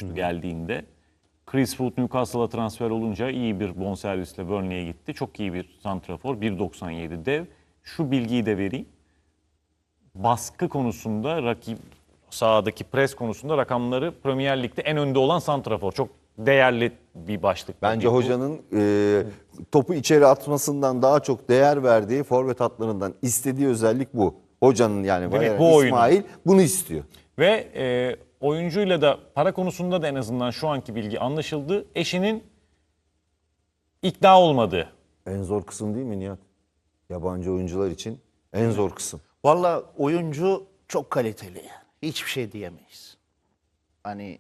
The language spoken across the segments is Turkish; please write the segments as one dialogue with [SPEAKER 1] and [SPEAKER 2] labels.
[SPEAKER 1] olmuştu geldiğinde. Chris Wood Newcastle'a transfer olunca iyi bir bonservisle Burnley'e gitti. Çok iyi bir santrafor. 1.97 dev. Şu bilgiyi de vereyim. Baskı konusunda, rakip sahadaki pres konusunda rakamları Premier Lig'de en önde olan santrafor. Çok değerli bir başlık.
[SPEAKER 2] Bence
[SPEAKER 1] Bu.
[SPEAKER 2] hocanın topu içeri atmasından daha çok değer verdiği forvet hatlarından istediği özellik bu. Hocanın yani
[SPEAKER 1] Evet,
[SPEAKER 2] Valerian
[SPEAKER 1] bu
[SPEAKER 2] İsmail
[SPEAKER 1] oyunu.
[SPEAKER 2] bunu istiyor.
[SPEAKER 1] Ve oyuncuyla da para konusunda da en azından şu anki bilgi anlaşıldı. Eşinin ikna olmadığı.
[SPEAKER 2] En zor kısım değil mi Nihat? Yabancı oyuncular için en zor kısım.
[SPEAKER 3] Valla oyuncu çok kaliteli yani. Hiçbir şey diyemeyiz. Hani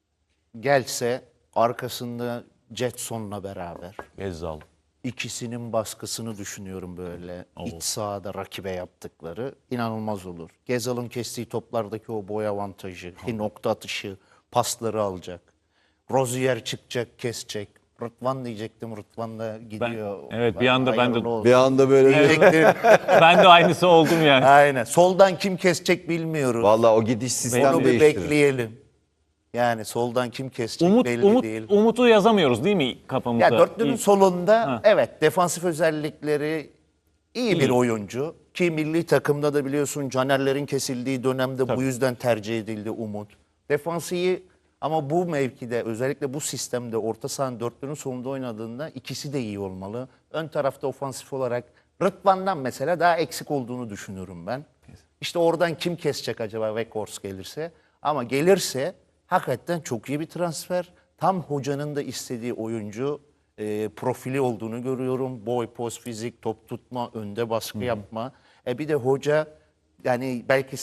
[SPEAKER 3] gelse arkasında Jetson'la beraber
[SPEAKER 1] Gezzal.
[SPEAKER 3] ikisinin baskısını düşünüyorum böyle. İç sahada rakibe yaptıkları inanılmaz olur. Gezal'ın kestiği toplardaki o boy avantajı, nokta atışı, pasları alacak. Rozier çıkacak, kesecek. Rıdvan diyecektim. Rıdvan da gidiyor.
[SPEAKER 1] evet, bir anda ben de-
[SPEAKER 3] Hayırlı olsun
[SPEAKER 2] Bir anda böyle
[SPEAKER 3] diyecektim.
[SPEAKER 1] Ben de aynısı oldum yani.
[SPEAKER 3] Aynen. Soldan kim kesecek bilmiyoruz.
[SPEAKER 2] vallahi o gidiş sistem
[SPEAKER 3] Onu bir
[SPEAKER 2] değiştirir.
[SPEAKER 3] bekleyelim. Yani soldan kim kesecek belli değil.
[SPEAKER 1] Umut'u yazamıyoruz değil mi kafamıza?
[SPEAKER 3] Ya dörtlünün
[SPEAKER 1] İlk-
[SPEAKER 3] solunda evet defansif özellikleri iyi bir oyuncu. Ki milli takımda da biliyorsun Caner'lerin kesildiği dönemde bu yüzden tercih edildi Umut. Defans iyi ama bu mevkide özellikle bu sistemde orta sahanın dörtlünün solunda oynadığında ikisi de iyi olmalı. Ön tarafta ofansif olarak Rıdvan'dan mesela daha eksik olduğunu düşünüyorum ben. İşte oradan kim kesecek acaba Weghorst gelirse? Ama gelirse hakikaten çok iyi bir transfer. Tam hocanın da istediği oyuncu profili olduğunu görüyorum. Boy, poz, fizik, top tutma, önde baskı yapma. Bir de hoca yani belki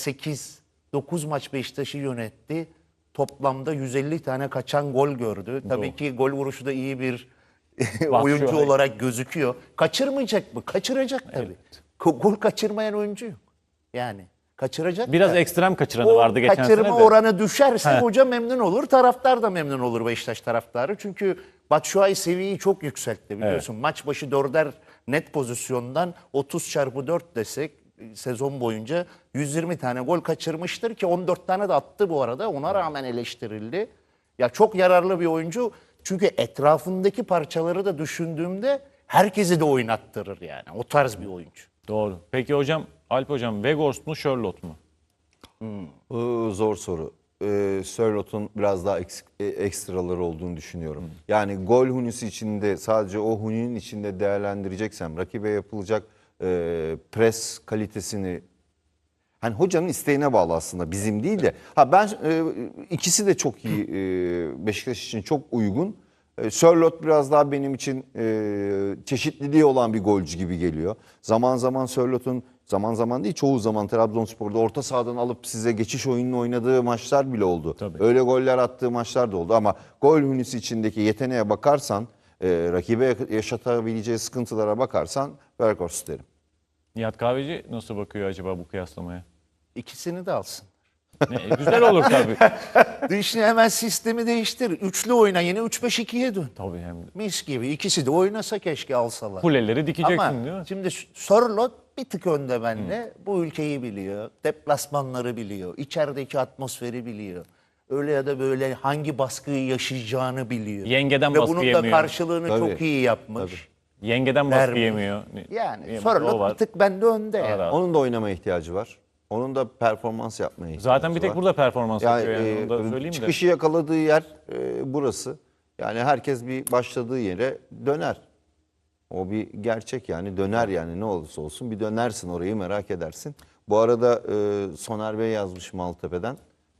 [SPEAKER 3] 8-9 maç Beşiktaş'ı yönetti. Toplamda 150 tane kaçan gol gördü. Tabii ki gol vuruşu da iyi bir oyuncu olarak gözüküyor. Kaçırmayacak mı? Kaçıracak tabii. Gol kaçırmayan oyuncu yok. Yani kaçıracak.
[SPEAKER 1] Biraz
[SPEAKER 3] da.
[SPEAKER 1] ekstrem kaçıranı
[SPEAKER 3] O
[SPEAKER 1] vardı geçen
[SPEAKER 3] kaçırma
[SPEAKER 1] sene de.
[SPEAKER 3] oranı düşerse hoca memnun olur, taraftar da memnun olur Beşiktaş taraftarı. Çünkü Batshuayi seviyeyi çok yükseltti biliyorsun. Maç başı 4'er net pozisyondan 30x4 desek sezon boyunca 120 tane gol kaçırmıştır ki 14 tane de attı bu arada. Ona rağmen eleştirildi. Ya çok yararlı bir oyuncu. Çünkü etrafındaki parçaları da düşündüğümde herkesi de oynattırır yani. O tarz bir oyuncu.
[SPEAKER 1] Doğru. Peki hocam, Alp hocam Weghorst mu Sherlock mu?
[SPEAKER 2] Zor soru. Sörlot'un biraz daha ekstraları olduğunu düşünüyorum. Yani gol hunisi içinde sadece o huninin içinde değerlendireceksem rakibe yapılacak pres kalitesini hani hocanın isteğine bağlı aslında bizim değil de. Ben ikisi de çok iyi Beşiktaş için çok uygun. Sörloth biraz daha benim için çeşitliliği olan bir golcü gibi geliyor. Zaman zaman Sörloth'un zaman zaman değil çoğu zaman Trabzonspor'da orta sahadan alıp size geçiş oyununu oynadığı maçlar bile oldu.
[SPEAKER 1] Tabii.
[SPEAKER 2] Öyle goller attığı maçlar da oldu ama gol hünisi içindeki yeteneğe bakarsan rakibe yaşatabileceği sıkıntılara bakarsan Weghorst derim.
[SPEAKER 1] Nihat Kahveci nasıl bakıyor acaba bu kıyaslamaya?
[SPEAKER 3] İkisini de alsın.
[SPEAKER 1] Güzel olur tabii.
[SPEAKER 3] Şimdi hemen sistemi değiştir. Üçlü oyna yine 3-5-2'ye dön.
[SPEAKER 1] Tabii hem de.
[SPEAKER 3] Mis gibi. İkisi de oynasa keşke alsalar.
[SPEAKER 1] Kuleleri dikeceksin
[SPEAKER 3] Ama
[SPEAKER 1] değil mi?
[SPEAKER 3] şimdi Sörloth bir tık önde bende. Bu ülkeyi biliyor. Deplasmanları biliyor. İçerideki atmosferi biliyor. Öyle ya da böyle hangi baskıyı yaşayacağını biliyor.
[SPEAKER 1] Yengeden
[SPEAKER 3] Ve
[SPEAKER 1] baskı
[SPEAKER 3] bunun da
[SPEAKER 1] yemiyor.
[SPEAKER 3] karşılığını
[SPEAKER 2] Tabii.
[SPEAKER 3] çok iyi yapmış.
[SPEAKER 1] Yengeden baskı
[SPEAKER 3] Vermiş.
[SPEAKER 1] yemiyor.
[SPEAKER 3] Yani
[SPEAKER 1] Yemiyor. O
[SPEAKER 3] Sörloth
[SPEAKER 1] var.
[SPEAKER 3] bir tık bende önde.
[SPEAKER 1] Daha
[SPEAKER 3] Yani.
[SPEAKER 1] rahat.
[SPEAKER 2] Onun da oynamaya ihtiyacı var. Onun da performans yapmaya ihtiyacı
[SPEAKER 1] Zaten bir tek
[SPEAKER 2] var.
[SPEAKER 1] burada performans yapıyor yani. Onu da
[SPEAKER 2] Yani
[SPEAKER 1] söyleyeyim de.
[SPEAKER 2] çıkışı yakaladığı yer burası. Yani herkes bir başladığı yere döner. O bir gerçek yani döner yani ne olursa olsun bir dönersin orayı merak edersin. Bu arada Soner Bey yazmış Maltepe'den.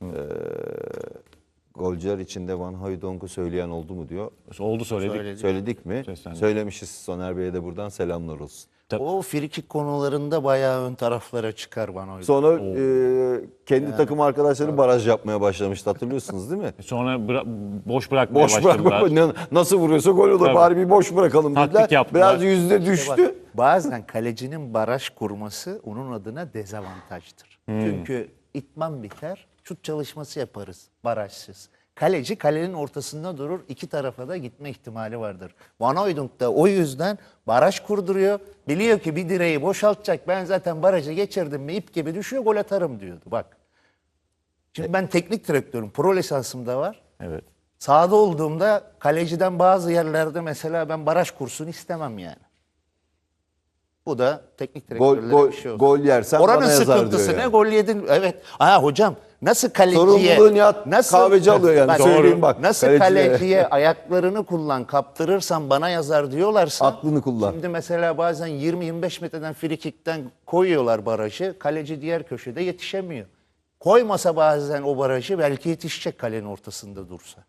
[SPEAKER 2] Golcüler içinde Van Hooydonk'u söyleyen oldu mu diyor.
[SPEAKER 1] Oldu söyledik.
[SPEAKER 2] Söyledik mi?
[SPEAKER 1] Seslendik.
[SPEAKER 2] Söylemişiz. Soner Bey'e de buradan selamlar olsun.
[SPEAKER 3] O frikik konularında bayağı ön taraflara çıkar bana.
[SPEAKER 2] Sonra kendi takım arkadaşları baraj yapmaya başlamıştı hatırlıyorsunuz değil mi?
[SPEAKER 1] Sonra boş bırakmaya
[SPEAKER 2] Boş
[SPEAKER 1] başladılar.
[SPEAKER 2] bırakma. Nasıl vuruyorsa gol olur.
[SPEAKER 1] Tabii.
[SPEAKER 2] Bari bir boş bırakalım
[SPEAKER 1] Taktik
[SPEAKER 2] dediler.
[SPEAKER 1] yaptılar.
[SPEAKER 2] Biraz yüzde düştü.
[SPEAKER 3] Bazen kalecinin baraj kurması onun adına dezavantajdır. Çünkü itman biter, şut çalışması yaparız barajsız. Kaleci kalenin ortasında durur, iki tarafa da gitme ihtimali vardır. Van Hooijdonk da o yüzden baraj kurduruyor. Biliyor ki bir direği boşaltacak, ben zaten barajı geçirdim mi ip gibi düşüyor, gol atarım diyordu. Bak. Şimdi ben teknik direktörüm, pro lisansım da var.
[SPEAKER 1] Evet.
[SPEAKER 3] Sahada olduğumda kaleciden bazı yerlerde mesela ben baraj kursunu istemem yani. Bu da teknik direktörlere bir şey olsun.
[SPEAKER 2] Gol yersen
[SPEAKER 3] Oranın
[SPEAKER 2] bana yazar
[SPEAKER 3] sıkıntısı
[SPEAKER 2] diyor
[SPEAKER 3] ne?
[SPEAKER 2] yani.
[SPEAKER 3] Gol yedin. Evet. Ha hocam nasıl kaleciye...
[SPEAKER 2] Sorumluluğu Nihat Kahveci alıyor yani. Söyleyeyim bak,
[SPEAKER 3] Nasıl
[SPEAKER 2] kaleciye.
[SPEAKER 3] kaleciye ayaklarını kullan, kaptırırsan bana yazar diyorlarsa...
[SPEAKER 2] Aklını kullan.
[SPEAKER 3] Şimdi mesela bazen 20-25 metreden frikikten koyuyorlar barajı. Kaleci diğer köşede yetişemiyor. Koymasa bazen o barajı belki yetişecek kalenin ortasında dursa.